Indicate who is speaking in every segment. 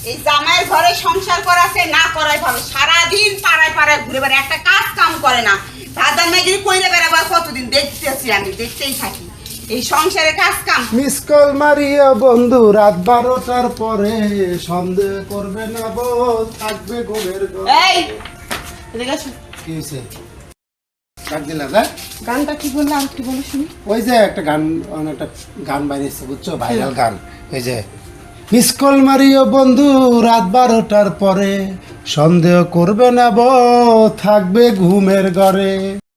Speaker 1: এই জামাইয়ের ঘরে সংসার করাছে না করাই ভালো। সারাদিন পাড়ায় পাড়ায় ঘুরে বেড়ায়, একটা কাজ কাম করে না। দাদার মেয়েগিরি কইরে বেড়াবার কতদিন দেখতেছি, আমি দেখতেই থাকি এই সংসারে কাজ কাম।
Speaker 2: মিস কল মারিয়া বন্ধু রাত 12টার পরে, সন্দেহ করবে না বউ থাকবে ঘুমের ঘরে।
Speaker 1: এই এদিকে আসো।
Speaker 2: কি হয়েছে? ডাক দিলা না?
Speaker 1: গানটা কি বললে আর কি বলো শুনি।
Speaker 2: ওই যে একটা গান, একটা গান বাইরেছে বুঝছো, ভাইরাল গান। ওই যে মিস কল মারিও বন্ধু রাত 12টার পরে, সন্দেহ করবে না বউ থাকবে ঘুমের ঘরে।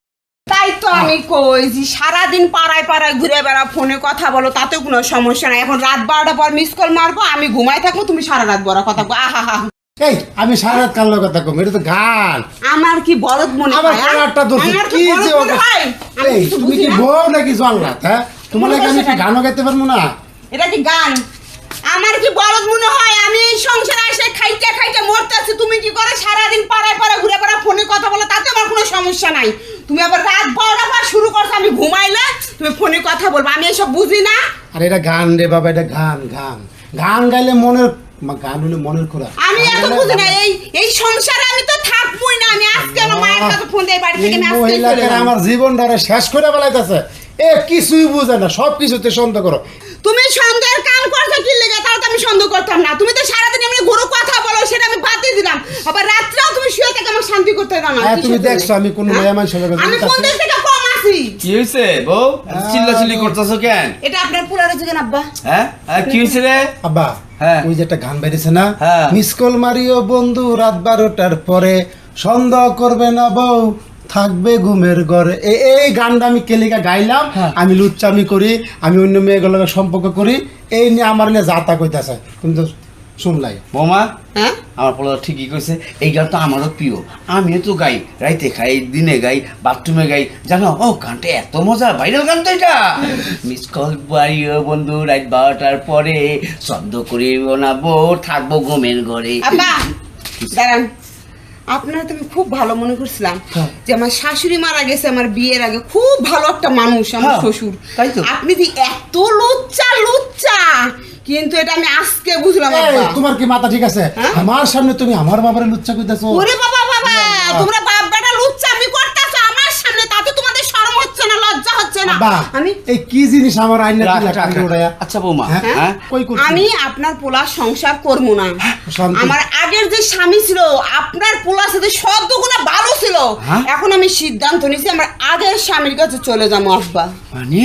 Speaker 1: তাই তো আমি কই যে সারাদিন পাড়ায় পাড়ায় ঘুরে বেড়া, ফোনে কথা বলো, তাতে কোনো সমস্যা নাই। এখন রাত 12টার পর মিস কল মারবো, আমি ঘুমাই থাকবো, তুমি সারা রাত বড় কথা বলো। আহা হা।
Speaker 2: এই আমি সারা রাত কান্নার কথা কম, এটা তো গান।
Speaker 1: আমার কি বলদ মনে
Speaker 2: আবার
Speaker 1: হয়?
Speaker 2: কালারটা দোষে
Speaker 1: আমার
Speaker 2: কি
Speaker 1: বলদ
Speaker 2: যে
Speaker 1: মনে হয়? আমি
Speaker 2: এই
Speaker 1: কিছু
Speaker 2: তুমি
Speaker 1: বুঝি
Speaker 2: কি
Speaker 1: না।
Speaker 2: বউ নাকি জল্লাদ? হ্যাঁ তোমার লাগে আমি কি গানও গাইতে পারবো না?
Speaker 1: এটা কি গান? আমার কি বলদ মনে হয়? আমি এই সংসারে এসে খাইতে খাইতে মরতেছি, তুমি কি করে সারাদিন পাড়ায় পাড়ায় ঘুরে বেড়া, ফোনে কথা বলো, তাতে আমার কোনো সমস্যা নাই। তুমি আবার রাত 12টার পর শুরু করছো, আমি ঘুমাইলে তুমি ফোনে কথা বলবো, আমি এসব বুঝি না।
Speaker 2: আরে এটা গান রে বাবা, এটা গান। গান গান গাইলে মনের, গান হলে মনের খোরাক।
Speaker 1: আমি এত বুঝি না। এই সংসারে আমি তো থাকবই না। আমি আজকে আমার মায়ের কাছে ফোন দিয়ে বাড়ি থেকে আমি আজকে চলে
Speaker 2: মহিলাকে
Speaker 1: যাব।
Speaker 2: আমার জীবনটারে শেষ করে ফেলাইতেছে। এ কিছুই বুঝে না, সব কিছুতে সন্দেহ করো।
Speaker 1: তুমি সন্দেহের কাম করছো কি লেগে? তাহলে তো আমি সন্দেহ করতাম না। তুমি তো সারাদিন এমনি ঘুরো কথা বলো, সেটা আমি বাদ দিয়ে দিলাম। আবার রাত্রেও তুমি শুয়ে থেকে আমার শান্তি করতে দাও না।
Speaker 2: হ্যাঁ, তুমি
Speaker 1: কিসের জন্য?
Speaker 2: দেখছো আমি কোন
Speaker 1: হ্যাঁ?
Speaker 2: মেয়ে মানুষের লগে
Speaker 1: আমি
Speaker 2: জড়িত
Speaker 1: কোন
Speaker 2: আছি?
Speaker 1: দিক থেকে কম আছি?
Speaker 3: কি হয়েছে বউ? চিল্লাচিল্লি করতেছো কেন?
Speaker 1: এটা আপনার পুরানো যুগের আব্বা।
Speaker 3: হ্যাঁ কি হয়েছে রে?
Speaker 2: আব্বা
Speaker 3: হ্যাঁ।
Speaker 2: ওই যে একটা গান বেরিয়েছে না,
Speaker 3: হ্যাঁ।
Speaker 2: মিস কল মারিও বন্ধু রাত 12টার পরে, সন্দেহ করবে না বউ থাকবে ঘুমের ঘরে। এই গানটা আমি কেলিকা গাইলাম।
Speaker 3: হ্যাঁ।
Speaker 2: আমি লুচ্চামি করি, আমি অন্য মেয়েগুলোর সম্পর্ক করি, এই নিয়ে আমার নিয়ে যাতা কইতাছে। তুমি তো শুনলাই।
Speaker 3: বৌমা
Speaker 1: হ্যাঁ?
Speaker 3: আমার পোলা ঠিকই কইছে, এই গান তো আমারও প্রিয়। আমিও তো গাই, রাইতে খাই, দিনে গাই, বাথরুমে গাই। জানো ও গানটা এত মজা, ভাইরাল গান তো এটা। মিস কল বাড়িও বন্ধু রাত 12টার পরে, সন্দেহ করিব না বউ থাকবো ঘুমের ঘরে।
Speaker 1: আব্বা দাঁড়ান। আপনারা তো আমি খুব ভালো মনে করছিলাম
Speaker 3: হ্যাঁ।
Speaker 1: যে আমার শাশুড়ি মারা গেছে আমার বিয়ের আগে, খুব ভালো একটা মানুষ আমার
Speaker 3: হ্যাঁ,
Speaker 1: শ্বশুর।
Speaker 3: তাই তো।
Speaker 1: আপনি যে এত লুচ্চা লুচ্চা, কিন্তু এটা আমি আজকে বুঝলাম
Speaker 2: এই,
Speaker 1: আব্বা।
Speaker 2: তোমার কি মাথা ঠিক আছে?
Speaker 1: হ্যাঁ?
Speaker 2: আমার সামনে তুমি আমার বাবারে লুচ্চা কইতাছো?
Speaker 1: ওরে বাবা বাবা, তোমরা বাপ বেটা লুচ্চা আমি করতেছো আমার সামনে, তাতে তোমাদের শরম হচ্ছে না, লজ্জা হচ্ছে না?
Speaker 2: আব্বা
Speaker 1: আমি
Speaker 2: এই কি জিনিস আমার আইনা
Speaker 3: রাখ,
Speaker 2: দিলা
Speaker 3: রাখ,
Speaker 2: কান্দে
Speaker 3: রাখ।
Speaker 2: উড়াইয়া?
Speaker 3: আচ্ছা বৌমা,
Speaker 2: হ্যাঁ?
Speaker 3: হ্যাঁ
Speaker 2: কই করছি?
Speaker 1: আমি আপনার পোলার সংসার করবো না।
Speaker 2: শান্তি।
Speaker 1: আমার আগের যে স্বামী ছিল আপনার পোলার সাথে সদ্যগুণা ভালো ছিল।
Speaker 3: হ্যাঁ?
Speaker 1: এখন আমি সিদ্ধান্ত নিয়েছি আমার আগের স্বামীর কাছে চলে যাবো আব্বা।
Speaker 3: মানে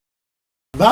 Speaker 2: আব্বা,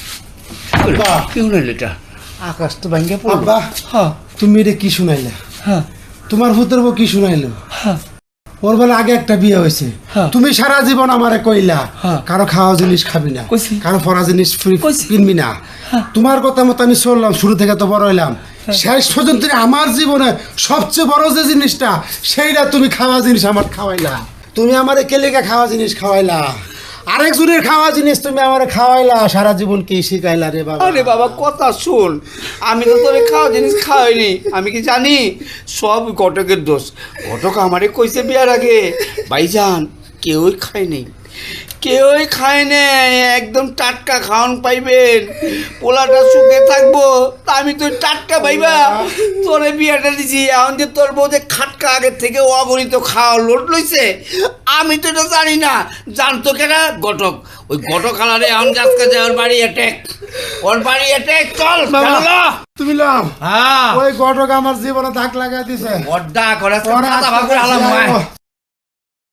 Speaker 2: আব্বা,
Speaker 3: কি হলো এটা? আকাশ তো ভাঙ্গে পড়লো।
Speaker 2: আব্বা,
Speaker 3: হ্যাঁ
Speaker 2: তুমি এটা কি শুনাইলা?
Speaker 3: হ্যাঁ
Speaker 2: তোমার ভূতের বউ কি শুনাইলো?
Speaker 3: হ্যাঁ
Speaker 2: ওর বেলা আগে একটা বিয়ে হয়েছে।
Speaker 3: হ্যাঁ।
Speaker 2: তুমি সারা জীবন আমারে কইলা
Speaker 3: হ্যাঁ।
Speaker 2: কারো খাওয়া জিনিস খাবি না,
Speaker 3: কইছি।
Speaker 2: কারো পরা জিনিস
Speaker 3: কইছি।
Speaker 2: কিনবি না। তোমার কথা মতো আমি চললাম, শুরু থেকে তো বড় হইলাম। শেষ পর্যন্ত আমার জীবনে সবচেয়ে বড় যে জিনিসটা, সেইটা তুমি খাওয়া জিনিস আমার খাওয়াইলা। তুমি আমারে কেলিকা খাওয়া জিনিস খাওয়াইলা, আরেকজনের খাওয়া জিনিস তুমি আমারে খাওয়াইলা। সারা জীবন কি শিখাইলা রে বাবা?
Speaker 3: আরে বাবা কথা শোন, আমি তো তোরে খাওয়া জিনিস খাওয়াইনি। আমি কি জানি? সব ঘটকের দোষ। ঘটক আমারে কইছে বিয়ার আগে, ভাইজান কেউই খায় নেই, কেউই খায় নাই, একদম টাটকা খাওয়ান পাইবেন, পোলাটা সুখে থাকবো। তা আমি তো টাটকা পাইবা তোরে বিয়াটা দিছি। এখন যে তোর বউ যে খাটকা আগের থেকে অগণিত খাওয়া লোট লইছে, আমি তো এটা জানি না। জানতো কেনা? ঘটক। ওই ঘটক আলারে এখন গাছকা যায় ওর বাড়ি অ্যাটেক, ওর বাড়ি অ্যাটেক। চল
Speaker 2: বাবা,
Speaker 3: চলো।
Speaker 2: তুমি লাও।
Speaker 3: হ্যাঁ
Speaker 2: ওই ঘটক আমার জীবনে দাগ লাগাই দিছে।
Speaker 3: বড্ডা করে
Speaker 2: ওরা
Speaker 3: ভাগ করে আলাম।